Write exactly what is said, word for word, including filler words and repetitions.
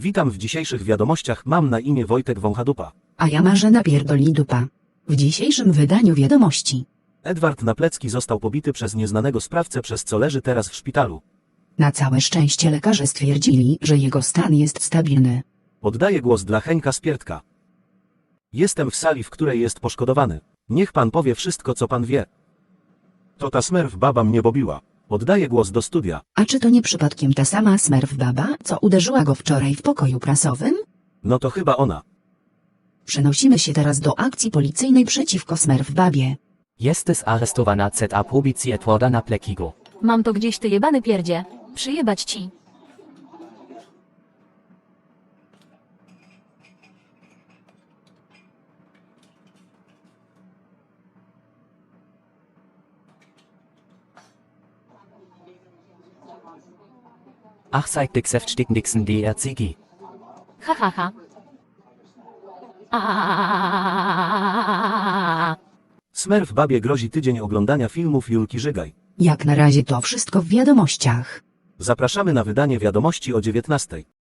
Witam w dzisiejszych wiadomościach, mam na imię Wojtek Wąchadupa. A ja Marzena Pierdolidupa. W dzisiejszym wydaniu wiadomości. Edward Naplecki został pobity przez nieznanego sprawcę, przez co leży teraz w szpitalu. Na całe szczęście lekarze stwierdzili, że jego stan jest stabilny. Oddaję głos dla Henka Spiertka. Jestem w sali, w której jest poszkodowany. Niech pan powie wszystko, co pan wie. To ta smerf baba mnie bobiła. Oddaję głos do studia. A czy to nie przypadkiem ta sama smerf baba, co uderzyła go wczoraj w pokoju prasowym? No to chyba ona. Przenosimy się teraz do akcji policyjnej przeciwko smerf babie. Jest aresztowana Z A policji Edwarda Napleckiego. Mam to gdzieś, ty jebany pierdzie. Przyjebać ci. Ach, zeigt dich Säftstickendixen D R C G. Ha ha ha. Aaaa. Smerf babie grozi tydzień oglądania filmów Julki Żygaj. Jak na razie to wszystko w wiadomościach. Zapraszamy na wydanie wiadomości o dziewiętnastej.